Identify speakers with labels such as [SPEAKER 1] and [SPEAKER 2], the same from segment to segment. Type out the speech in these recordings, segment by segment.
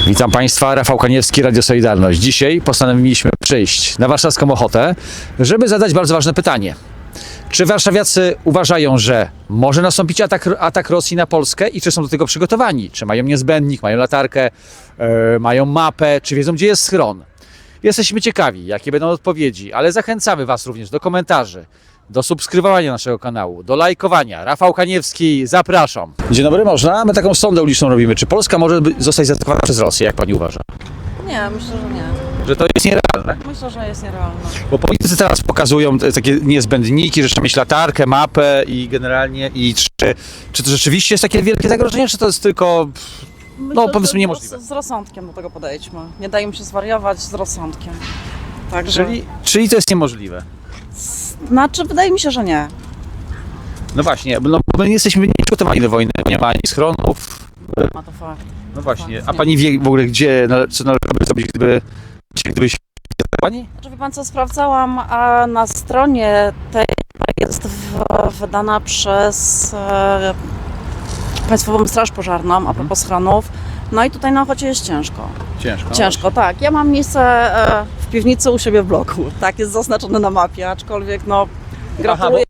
[SPEAKER 1] Witam Państwa, Rafał Kaniewski, Radio Solidarność. Dzisiaj postanowiliśmy przyjść na warszawską Ochotę, żeby zadać bardzo ważne pytanie. Czy warszawiacy uważają, że może nastąpić atak Rosji na Polskę i czy są do tego przygotowani? Czy mają niezbędnik, mają latarkę, mają mapę, czy wiedzą, gdzie jest schron? Jesteśmy ciekawi, jakie będą odpowiedzi, ale zachęcamy Was również do komentarzy, do subskrybowania naszego kanału, do lajkowania. Rafał Kaniewski, zapraszam. Dzień dobry, można? My taką sondę uliczną robimy. Czy Polska może zostać zaatakowana przez Rosję, jak Pani uważa?
[SPEAKER 2] Nie, myślę, że nie.
[SPEAKER 1] Że to jest nierealne?
[SPEAKER 2] Myślę, że jest nierealne.
[SPEAKER 1] Bo politycy teraz pokazują takie niezbędniki, że trzeba mieć latarkę, mapę i generalnie czy to rzeczywiście jest takie wielkie zagrożenie, czy to jest tylko,
[SPEAKER 2] Myślę,
[SPEAKER 1] powiedzmy,
[SPEAKER 2] że
[SPEAKER 1] niemożliwe?
[SPEAKER 2] Z rozsądkiem do tego podejdźmy. Nie dajmy się zwariować, z rozsądkiem. Także,
[SPEAKER 1] Czyli to jest niemożliwe?
[SPEAKER 2] Znaczy, wydaje mi się, że nie.
[SPEAKER 1] No właśnie, no, my nie jesteśmy przygotowani do wojny, nie ma ani schronów.
[SPEAKER 2] Ma to fakt.
[SPEAKER 1] No właśnie,
[SPEAKER 2] Fakt,
[SPEAKER 1] a
[SPEAKER 2] nie.
[SPEAKER 1] Pani wie w ogóle, co należałoby zrobić, gdybyś Pani?
[SPEAKER 2] Znaczy, wie pan co, sprawdzałam, a na stronie tej jest wydana przez Państwową Straż Pożarną, a propos schronów. No i tutaj na Ochocie jest ciężko. Ciężko, tak. Ja mam miejsce w piwnicy u siebie w bloku. Tak, jest zaznaczone na mapie, aczkolwiek no gratuluję.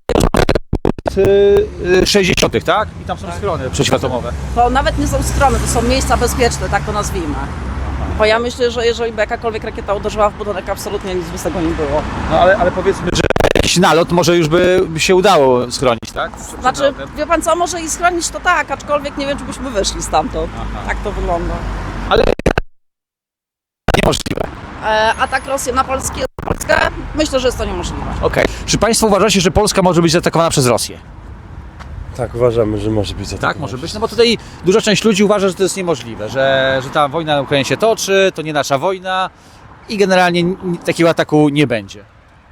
[SPEAKER 1] 60., tak? I tam są schrony przeciwatomowe.
[SPEAKER 2] To nawet nie są strony, to są miejsca bezpieczne, tak to nazwijmy. Bo ja myślę, że jeżeli by jakakolwiek rakieta uderzyła w budynek, absolutnie nic by z tego nie było.
[SPEAKER 1] No ale powiedzmy, że jakiś nalot może już by się udało schronić, tak?
[SPEAKER 2] Znaczy, wie pan co, może i schronić to tak, aczkolwiek nie wiem, czy byśmy wyszli stamtąd. Tak to wygląda.
[SPEAKER 1] Ale niemożliwe.
[SPEAKER 2] Atak Rosji na Polskę, myślę, że jest to niemożliwe.
[SPEAKER 1] Okej. Czy Państwo uważacie, że Polska może być zaatakowana przez Rosję?
[SPEAKER 3] Tak, uważamy, że może być zaatakowana.
[SPEAKER 1] Tak, może być. No bo tutaj duża część ludzi uważa, że to jest niemożliwe, że ta wojna na Ukrainie się toczy, to nie nasza wojna i generalnie takiego ataku nie będzie.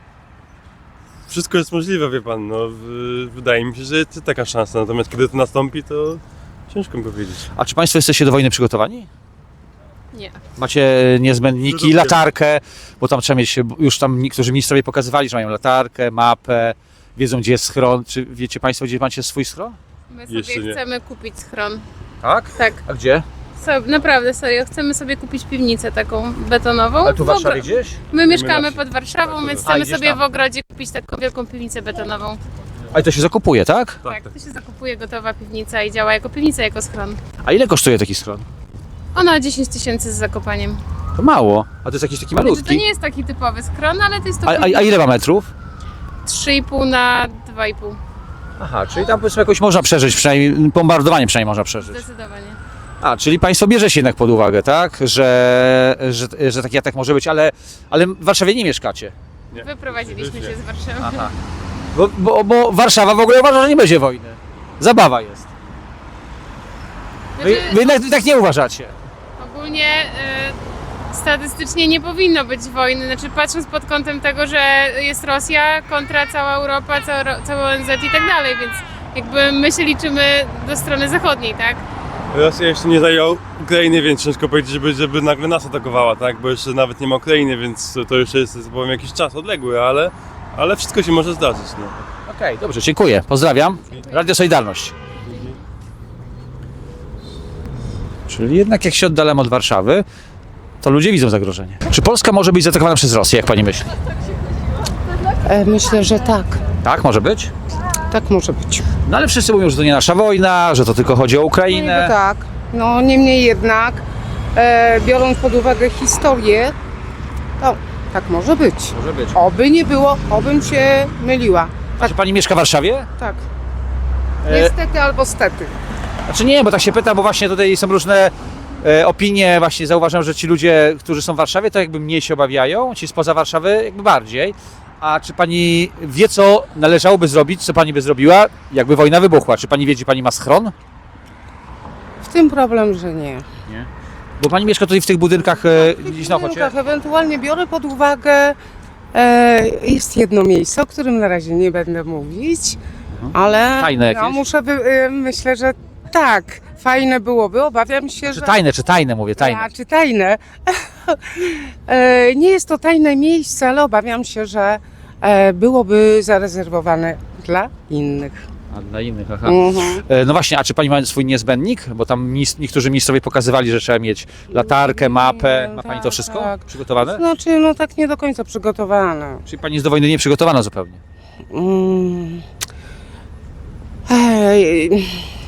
[SPEAKER 3] Wszystko jest możliwe, wie pan, no, wydaje mi się, że jest taka szansa, natomiast kiedy to nastąpi, to ciężko mi powiedzieć.
[SPEAKER 1] A czy Państwo jesteście do wojny przygotowani?
[SPEAKER 4] Nie.
[SPEAKER 1] Macie niezbędniki, latarkę, bo tam trzeba mieć, już tam niektórzy ministrowie pokazywali, że mają latarkę, mapę, wiedzą, gdzie jest schron. Czy wiecie Państwo, gdzie macie swój schron?
[SPEAKER 4] My
[SPEAKER 3] Jeszcze
[SPEAKER 4] sobie
[SPEAKER 3] nie.
[SPEAKER 4] chcemy kupić schron.
[SPEAKER 1] Tak?
[SPEAKER 4] Tak,
[SPEAKER 1] A gdzie?
[SPEAKER 4] naprawdę serio. Chcemy sobie kupić piwnicę taką betonową.
[SPEAKER 1] Ale tu w Warszawie gdzieś?
[SPEAKER 4] My mieszkamy
[SPEAKER 3] na
[SPEAKER 4] pod Warszawą, więc
[SPEAKER 1] A,
[SPEAKER 4] chcemy
[SPEAKER 1] idziesz
[SPEAKER 4] sobie
[SPEAKER 1] tam.
[SPEAKER 4] w ogrodzie kupić taką wielką piwnicę betonową.
[SPEAKER 1] A i to się zakupuje, tak?
[SPEAKER 4] Tak, to się zakupuje gotowa piwnica i działa jako piwnica, jako schron.
[SPEAKER 1] A ile kosztuje taki schron?
[SPEAKER 4] Ona 10 000 z zakopaniem.
[SPEAKER 1] To mało. A to jest jakiś taki
[SPEAKER 4] Znaczy, to
[SPEAKER 1] malutki.
[SPEAKER 4] nie jest taki typowy schron, ale to jest to
[SPEAKER 1] A ile ma metrów?
[SPEAKER 4] 3,5 na 2,5.
[SPEAKER 1] Aha, czyli tam powiedzmy jakoś można przeżyć, przynajmniej bombardowanie przynajmniej można przeżyć.
[SPEAKER 4] Zdecydowanie.
[SPEAKER 1] A, czyli Państwo bierzecie jednak pod uwagę, tak? Że taki atak może być, ale w Warszawie nie mieszkacie.
[SPEAKER 3] Nie.
[SPEAKER 4] Wyprowadziliśmy się z Warszawy.
[SPEAKER 1] Aha. Bo Warszawa w ogóle uważa, że nie będzie wojny. Zabawa jest.
[SPEAKER 4] Znaczy,
[SPEAKER 1] Wy jednak tak nie uważacie.
[SPEAKER 4] Ogólnie statystycznie nie powinno być wojny, znaczy patrząc pod kątem tego, że jest Rosja kontra cała Europa, cały ONZ i tak dalej, więc jakby my się liczymy do strony zachodniej, tak?
[SPEAKER 3] Rosja jeszcze nie zajął Ukrainy, więc ciężko powiedzieć, żeby nagle nas atakowała, tak? Bo jeszcze nawet nie ma Ukrainy, więc to już jest, powiem, jakiś czas odległy, ale wszystko się może zdarzyć, no.
[SPEAKER 1] Okej, dobrze, dziękuję. Pozdrawiam. Radio Solidarność. Czyli jednak jak się oddalamy od Warszawy, to ludzie widzą zagrożenie. Czy Polska może być zaatakowana przez Rosję, jak Pani myśli?
[SPEAKER 5] Myślę, że tak.
[SPEAKER 1] Tak, może być?
[SPEAKER 5] Tak może być.
[SPEAKER 1] No ale wszyscy mówią, że to nie nasza wojna, że to tylko chodzi o
[SPEAKER 5] No
[SPEAKER 1] Ukrainę.
[SPEAKER 5] niby tak. No niemniej jednak, biorąc pod uwagę historię, to tak może być.
[SPEAKER 1] Może być.
[SPEAKER 5] Oby nie było, obym się myliła.
[SPEAKER 1] A czy Pani mieszka w Warszawie?
[SPEAKER 5] Tak.
[SPEAKER 1] E,
[SPEAKER 5] Niestety albo stety.
[SPEAKER 1] Znaczy nie, bo tak się pytam, bo właśnie tutaj są różne opinie, właśnie zauważam, że ci ludzie, którzy są w Warszawie, to jakby mniej się obawiają, ci spoza Warszawy jakby bardziej. A czy Pani wie, co należałoby zrobić, co Pani by zrobiła, jakby wojna wybuchła? Czy Pani wie, gdzie Pani ma schron?
[SPEAKER 5] W tym problem, że nie.
[SPEAKER 1] Bo Pani mieszka tutaj w tych budynkach gdzieś na Ochocie?
[SPEAKER 5] Ewentualnie biorę pod uwagę, jest jedno miejsce, o którym na razie nie będę mówić, ale
[SPEAKER 1] Tajne jakieś?
[SPEAKER 5] no, myślę, że tak, fajne byłoby, obawiam się, że...
[SPEAKER 1] Czy tajne mówię, tajne.
[SPEAKER 5] A, czy tajne. Nie jest to tajne miejsce, ale obawiam się, że byłoby zarezerwowane dla innych.
[SPEAKER 1] A dla innych, aha.
[SPEAKER 5] Mhm.
[SPEAKER 1] No właśnie, a czy pani ma swój niezbędnik? Bo tam niektórzy ministrowie pokazywali, że trzeba mieć latarkę, mapę. Ma pani to
[SPEAKER 5] Tak,
[SPEAKER 1] wszystko
[SPEAKER 5] tak.
[SPEAKER 1] przygotowane?
[SPEAKER 5] Znaczy, no tak nie do końca przygotowane.
[SPEAKER 1] Czyli pani jest do wojny nieprzygotowana zupełnie?
[SPEAKER 5] Mm. Ej.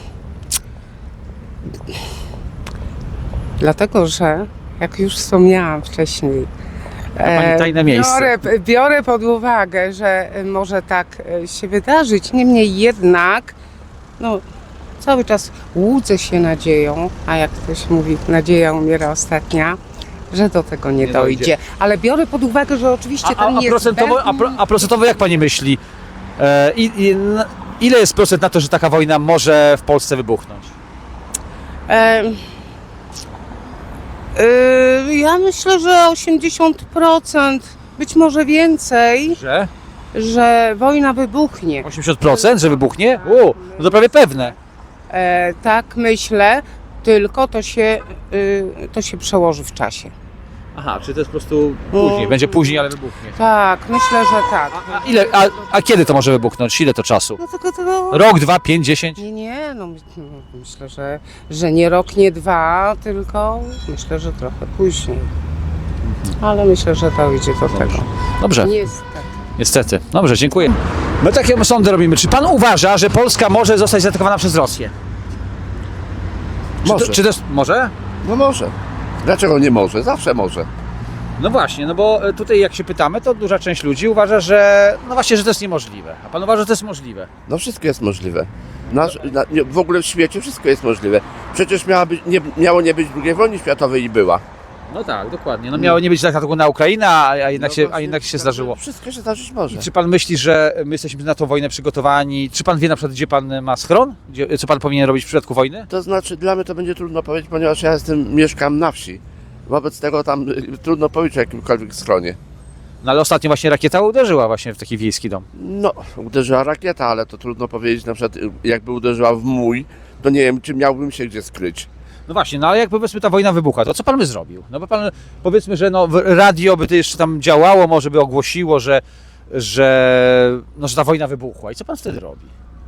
[SPEAKER 5] Dlatego, że jak już wspomniałam wcześniej,
[SPEAKER 1] pani tajne miejsce.
[SPEAKER 5] biorę pod uwagę, że może tak się wydarzyć. Niemniej jednak, no, cały czas łudzę się nadzieją, a jak ktoś mówi, nadzieja umiera ostatnia, że do tego nie dojdzie. Ale biorę pod uwagę, że oczywiście ten
[SPEAKER 1] A procentowo jak pani myśli? Ile jest procent na to, że taka wojna może w Polsce wybuchnąć?
[SPEAKER 5] Ja myślę, że 80%, być może więcej,
[SPEAKER 1] Że?
[SPEAKER 5] że wojna wybuchnie.
[SPEAKER 1] 80%, że wybuchnie? No to prawie pewne.
[SPEAKER 5] Tak myślę, tylko to się przełoży w czasie.
[SPEAKER 1] Aha, czy to jest po prostu później? Będzie później, ale wybuchnie.
[SPEAKER 5] Tak, myślę, że tak.
[SPEAKER 1] A kiedy to może wybuchnąć? Ile to czasu?
[SPEAKER 5] No tylko tego...
[SPEAKER 1] Rok, 2, 5, 10?
[SPEAKER 5] Nie, myślę, że nie rok, nie dwa, tylko myślę, że trochę później. Ale myślę, że dojdzie do tego.
[SPEAKER 1] Dobrze,
[SPEAKER 5] Niestety.
[SPEAKER 1] niestety. Dobrze, dziękuję. My takie sądy robimy. Czy pan uważa, że Polska może zostać zaatakowana przez Rosję?
[SPEAKER 6] Może.
[SPEAKER 1] Czy to jest... Może?
[SPEAKER 6] No może. Dlaczego nie może? Zawsze może.
[SPEAKER 1] No właśnie, no bo tutaj jak się pytamy, to duża część ludzi uważa, że no właśnie, że to jest niemożliwe. A pan uważa, że to jest możliwe?
[SPEAKER 6] No wszystko jest możliwe. W ogóle w świecie wszystko jest możliwe. Przecież miało nie być II wojny światowej i była.
[SPEAKER 1] No tak, dokładnie. No miało nie być ataku na Ukrainę, a jednak się zdarzyło.
[SPEAKER 6] Wszystko się zdarzyć może.
[SPEAKER 1] I czy pan myśli, że my jesteśmy na tą wojnę przygotowani? Czy pan wie na przykład, gdzie pan ma schron? Co pan powinien robić w przypadku wojny?
[SPEAKER 6] To znaczy dla mnie to będzie trudno powiedzieć, ponieważ ja mieszkam na wsi. Wobec tego tam trudno powiedzieć o jakimkolwiek schronie.
[SPEAKER 1] No ale ostatnio właśnie rakieta uderzyła właśnie w taki wiejski dom.
[SPEAKER 6] No, uderzyła rakieta, ale to trudno powiedzieć, na przykład jakby uderzyła w mój, to nie wiem, czy miałbym się gdzie skryć.
[SPEAKER 1] No właśnie, no ale jak powiedzmy ta wojna wybucha, to co pan by zrobił? No bo pan, powiedzmy, że no radio by to jeszcze tam działało, może by ogłosiło, że ta wojna wybuchła. I co pan wtedy robi?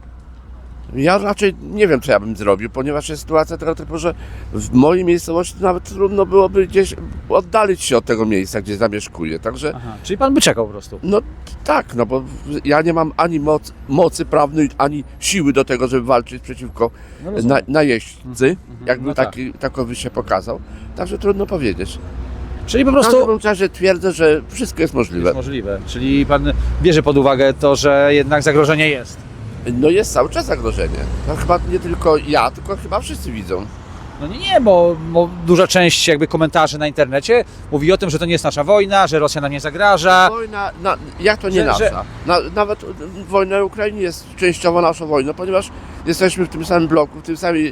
[SPEAKER 6] Ja raczej nie wiem, co ja bym zrobił, ponieważ jest sytuacja tego typu, że w mojej miejscowości nawet trudno byłoby gdzieś oddalić się od tego miejsca, gdzie zamieszkuję. Także,
[SPEAKER 1] Aha, czyli pan by czekał po prostu.
[SPEAKER 6] no tak, no bo ja nie mam ani mocy prawnej, ani siły do tego, żeby walczyć przeciwko
[SPEAKER 1] No rozumiem.
[SPEAKER 6] najeźdźcy, jakby
[SPEAKER 1] No tak.
[SPEAKER 6] takowy się pokazał. Także trudno powiedzieć.
[SPEAKER 1] Czyli po
[SPEAKER 6] W
[SPEAKER 1] prostu
[SPEAKER 6] każdym razie twierdzę, że wszystko jest możliwe.
[SPEAKER 1] jest możliwe. Czyli pan bierze pod uwagę to, że jednak zagrożenie jest.
[SPEAKER 6] No jest cały czas zagrożenie. No chyba nie tylko ja, tylko chyba wszyscy widzą.
[SPEAKER 1] No nie, bo duża część jakby komentarzy na internecie mówi o tym, że to nie jest nasza wojna, że Rosja nam nie zagraża.
[SPEAKER 6] Wojna, jak to nie
[SPEAKER 1] Że-
[SPEAKER 6] nasza? Nawet wojna w Ukrainie jest częściowo naszą wojną, ponieważ jesteśmy w tym samym bloku, w tym samym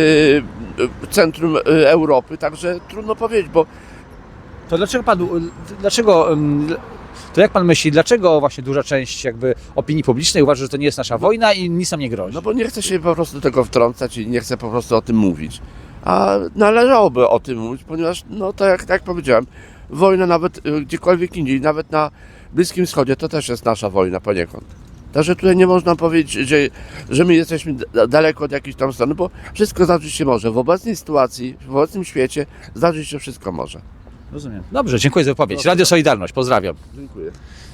[SPEAKER 6] centrum Europy, także trudno powiedzieć, bo
[SPEAKER 1] To to jak pan myśli, dlaczego właśnie duża część jakby opinii publicznej uważa, że to nie jest nasza wojna i nic nam nie grozi?
[SPEAKER 6] no bo nie chce się po prostu do tego wtrącać i nie chce po prostu o tym mówić. A należałoby o tym mówić, ponieważ, no to jak powiedziałem, wojna nawet gdziekolwiek indziej, nawet na Bliskim Wschodzie, to też jest nasza wojna poniekąd. Także tutaj nie można powiedzieć, że my jesteśmy daleko od jakiejś tam strony, bo wszystko zdarzyć się może. W obecnej sytuacji, w obecnym świecie zdarzyć się wszystko może.
[SPEAKER 1] Rozumiem. Dobrze, dziękuję za wypowiedź. Radio Solidarność, pozdrawiam.
[SPEAKER 6] Dziękuję.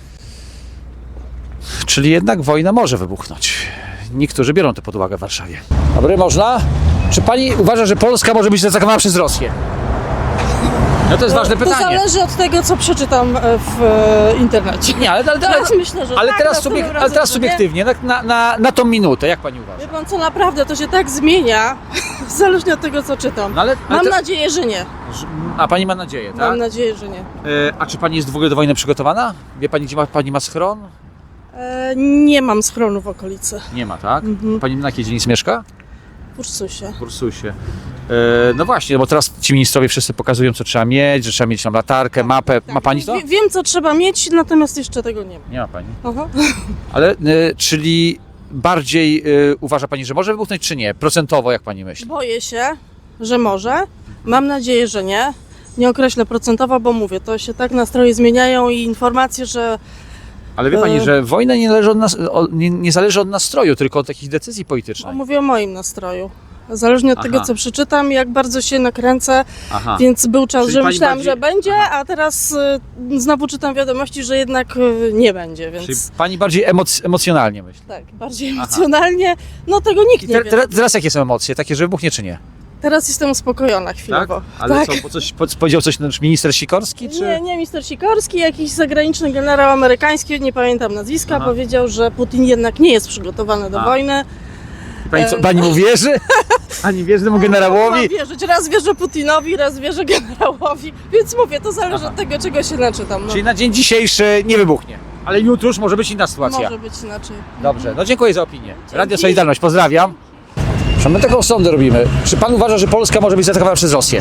[SPEAKER 1] Czyli jednak wojna może wybuchnąć. Niektórzy biorą to pod uwagę w Warszawie. Dobry, można? Czy pani uważa, że Polska może być zaatakowana przez Rosję? No to jest ważne
[SPEAKER 2] To
[SPEAKER 1] pytanie.
[SPEAKER 2] zależy od tego, co przeczytam w internecie.
[SPEAKER 1] Nie, ale
[SPEAKER 2] Myślę, że
[SPEAKER 1] ale
[SPEAKER 2] tak,
[SPEAKER 1] teraz,
[SPEAKER 2] następnym
[SPEAKER 1] ale
[SPEAKER 2] razem,
[SPEAKER 1] teraz
[SPEAKER 2] że nie.
[SPEAKER 1] subiektywnie, na tą minutę, jak pani uważa?
[SPEAKER 2] Wie pan co, naprawdę to się tak zmienia, zależnie od tego, co czytam.
[SPEAKER 1] No ale
[SPEAKER 2] Mam nadzieję, że nie.
[SPEAKER 1] A pani ma nadzieję, tak?
[SPEAKER 2] Mam nadzieję, że nie.
[SPEAKER 1] A czy pani jest w ogóle do wojny przygotowana? Wie pani, gdzie pani ma schron?
[SPEAKER 2] Nie mam schronu w okolicy.
[SPEAKER 1] Nie ma, tak? Pani na jakiej dzielnicy mieszka?
[SPEAKER 2] W Ursusie.
[SPEAKER 1] W Ursusie. No właśnie, bo teraz ci ministrowie wszyscy pokazują, co trzeba mieć, że trzeba mieć tam latarkę, mapę. Ma pani to?
[SPEAKER 2] Wiem, co trzeba mieć, natomiast jeszcze tego nie ma.
[SPEAKER 1] Nie ma pani.
[SPEAKER 2] Aha.
[SPEAKER 1] Ale czyli bardziej uważa pani, że może wybuchnąć, czy nie? Procentowo, jak pani myśli?
[SPEAKER 2] Boję się, że może. Mam nadzieję, że nie. Nie określę procentowo, bo mówię, to się tak nastroje zmieniają i informacje, że
[SPEAKER 1] Ale wie pani, że wojna nie zależy nie zależy od nastroju, tylko od takich decyzji politycznych.
[SPEAKER 7] Mówię o moim nastroju. Zależnie od tego,
[SPEAKER 1] Aha.
[SPEAKER 7] co przeczytam, jak bardzo się nakręcę,
[SPEAKER 1] Aha.
[SPEAKER 7] więc był czas,
[SPEAKER 1] Czyli
[SPEAKER 7] że
[SPEAKER 1] pani
[SPEAKER 7] myślałam,
[SPEAKER 1] bardziej-
[SPEAKER 7] że będzie, a teraz znowu czytam wiadomości, że jednak nie będzie, więc
[SPEAKER 1] Czyli pani bardziej emocjonalnie myśli.
[SPEAKER 7] tak, bardziej emocjonalnie, no tego nikt nie wie.
[SPEAKER 1] Teraz jakie są emocje? Takie, że wybuchnie czy nie?
[SPEAKER 7] Teraz jestem uspokojona chwilowo.
[SPEAKER 1] Ale
[SPEAKER 7] tak.
[SPEAKER 1] co, powiedział coś nasz minister Sikorski? Czy...
[SPEAKER 7] Nie, minister Sikorski, jakiś zagraniczny generał amerykański, nie pamiętam nazwiska,
[SPEAKER 1] Aha.
[SPEAKER 7] powiedział, że Putin jednak nie jest przygotowany do wojny.
[SPEAKER 1] Pani mu wierzy? Pani wierzy temu generałowi?
[SPEAKER 7] Mam wierzyć. Raz wierzę Putinowi, raz wierzę generałowi, więc mówię, to zależy od tego, czego się naczytam. No.
[SPEAKER 1] Czyli na dzień dzisiejszy nie wybuchnie. Ale jutro już może być inna sytuacja.
[SPEAKER 7] Może być inaczej.
[SPEAKER 1] Dobrze, no dziękuję za opinię. Radio Solidarność, pozdrawiam. Czy my taką sondę robimy? Czy pan uważa, że Polska może być zaatakowana przez Rosję?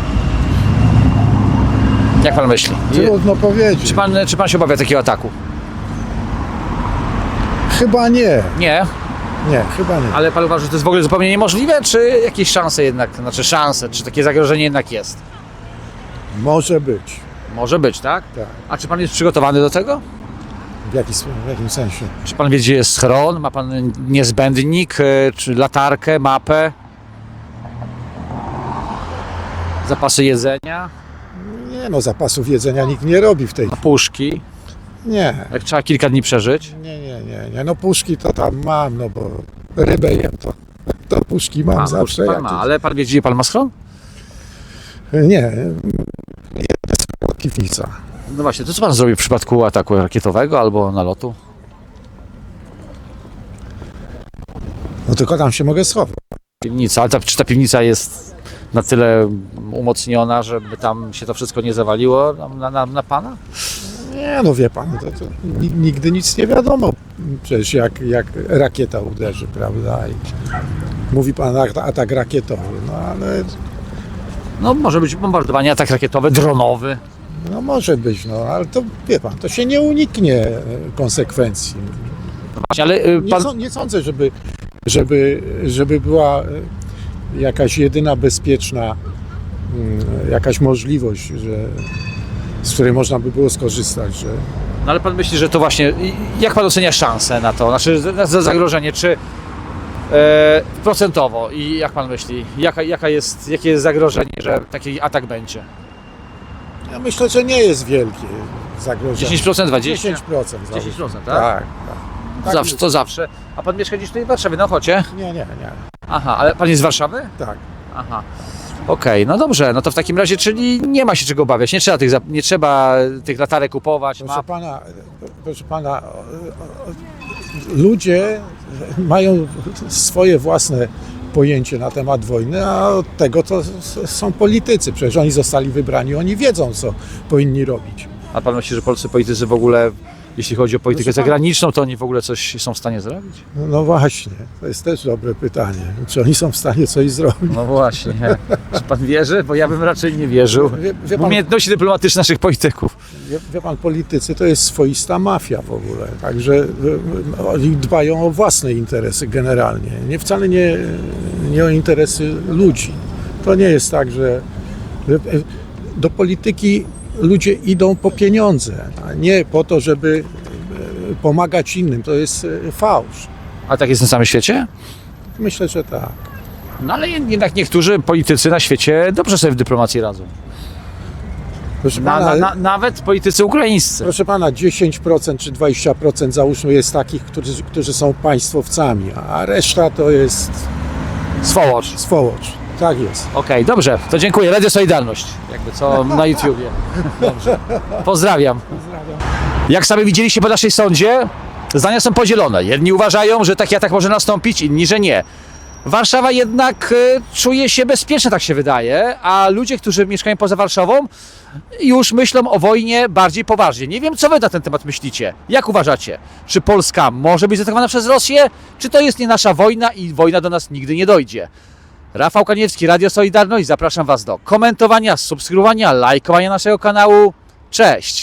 [SPEAKER 1] Jak pan myśli?
[SPEAKER 8] Trudno powiedzieć.
[SPEAKER 1] Czy pan się obawia takiego ataku?
[SPEAKER 8] Chyba nie.
[SPEAKER 1] Nie.
[SPEAKER 8] Nie, chyba nie.
[SPEAKER 1] Ale pan uważa, że to jest w ogóle zupełnie niemożliwe, czy jakieś szanse jednak, czy takie zagrożenie jednak jest?
[SPEAKER 8] Może być.
[SPEAKER 1] Może być, tak?
[SPEAKER 8] Tak.
[SPEAKER 1] A czy pan jest przygotowany do tego?
[SPEAKER 8] W jakim sensie?
[SPEAKER 1] Czy pan wie, gdzie jest schron? Ma pan niezbędnik, czy latarkę, mapę? Zapasy jedzenia,
[SPEAKER 8] Nie no, zapasów jedzenia nikt nie robi w tej chwili.
[SPEAKER 1] puszki,
[SPEAKER 8] Nie.
[SPEAKER 1] jak trzeba kilka dni przeżyć?
[SPEAKER 8] Nie. No puszki to tam mam, no bo rybę jem, to puszki mam zawsze.
[SPEAKER 1] pan
[SPEAKER 8] jak
[SPEAKER 1] ma,
[SPEAKER 8] to-
[SPEAKER 1] ale pan wie, gdzie pan ma schron?
[SPEAKER 8] Nie. Jest piwnica.
[SPEAKER 1] No właśnie, to co pan zrobi w przypadku ataku rakietowego albo nalotu?
[SPEAKER 8] No tylko tam się mogę schować.
[SPEAKER 1] Piwnica, ale czy ta piwnica jest na tyle umocniona, żeby tam się to wszystko nie zawaliło na pana?
[SPEAKER 8] Nie no wie pan, to nigdy nic nie wiadomo. Przecież jak rakieta uderzy, prawda? I mówi pan atak rakietowy, no ale
[SPEAKER 1] No może być bombardowanie, atak rakietowy, dronowy.
[SPEAKER 8] no może być, no ale to wie pan, to się nie uniknie konsekwencji.
[SPEAKER 1] Właśnie, ale pan...
[SPEAKER 8] Nie sądzę, żeby była jakaś jedyna bezpieczna jakaś możliwość, z której można by było skorzystać, że
[SPEAKER 1] No ale pan myśli, że to właśnie, jak pan ocenia szansę na to, znaczy za zagrożenie, czy procentowo i jak pan myśli, jakie jest zagrożenie, że taki atak będzie?
[SPEAKER 8] ja myślę, że nie jest wielkie zagrożenie.
[SPEAKER 1] 10%, 20%?
[SPEAKER 8] 10%.
[SPEAKER 1] 10%, tak?
[SPEAKER 8] Tak.
[SPEAKER 1] Zawsze, to zawsze. A pan mieszka gdzieś tutaj w Warszawie, na Ochocie?
[SPEAKER 8] Nie.
[SPEAKER 1] Aha, ale pan jest z Warszawy?
[SPEAKER 8] Tak.
[SPEAKER 1] Aha. Okej, no dobrze, no to w takim razie, czyli nie ma się czego obawiać, nie trzeba tych latarek kupować,
[SPEAKER 8] Proszę pana, ludzie mają swoje własne pojęcie na temat wojny, a od tego to są politycy. Przecież oni zostali wybrani, oni wiedzą, co powinni robić.
[SPEAKER 1] A pan myśli, że polscy politycy w ogóle, jeśli chodzi o politykę
[SPEAKER 8] Proszę pana-
[SPEAKER 1] zagraniczną, to oni w ogóle coś są w stanie zrobić?
[SPEAKER 8] No właśnie, to jest też dobre pytanie. Czy oni są w stanie coś zrobić?
[SPEAKER 1] No właśnie. Czy pan wierzy? Bo ja bym raczej nie wierzył.
[SPEAKER 8] Wie
[SPEAKER 1] W
[SPEAKER 8] pan,
[SPEAKER 1] umiejętności dyplomatyczne naszych polityków.
[SPEAKER 8] wie pan, politycy to jest swoista mafia w ogóle. Także oni dbają o własne interesy generalnie. Wcale nie o interesy ludzi. To nie jest tak, że do polityki ludzie idą po pieniądze, a nie po to, żeby pomagać innym. To jest fałsz.
[SPEAKER 1] A tak jest na całym świecie?
[SPEAKER 8] Myślę, że tak.
[SPEAKER 1] No ale jednak niektórzy politycy na świecie dobrze sobie w dyplomacji radzą.
[SPEAKER 8] Proszę pana,
[SPEAKER 1] Nawet politycy ukraińscy.
[SPEAKER 8] proszę pana, 10% czy 20% załóżmy jest takich, którzy są państwowcami, a reszta to jest
[SPEAKER 1] Swołocz.
[SPEAKER 8] swołocz. Tak jest.
[SPEAKER 1] Okej, dobrze, to dziękuję. Radio Solidarność. Jakby co na YouTubie. Dobrze. Pozdrawiam. Jak sami widzieliście po naszej sądzie, zdania są podzielone. Jedni uważają, że taki atak może nastąpić, inni, że nie. Warszawa jednak czuje się bezpieczna, tak się wydaje, a ludzie, którzy mieszkają poza Warszawą, już myślą o wojnie bardziej poważnie. Nie wiem, co wy na ten temat myślicie. Jak uważacie? Czy Polska może być zaatakowana przez Rosję? Czy to jest nie nasza wojna i wojna do nas nigdy nie dojdzie? Rafał Kaniewski, Radio Solidarność. Zapraszam Was do komentowania, subskrybowania, lajkowania naszego kanału. Cześć!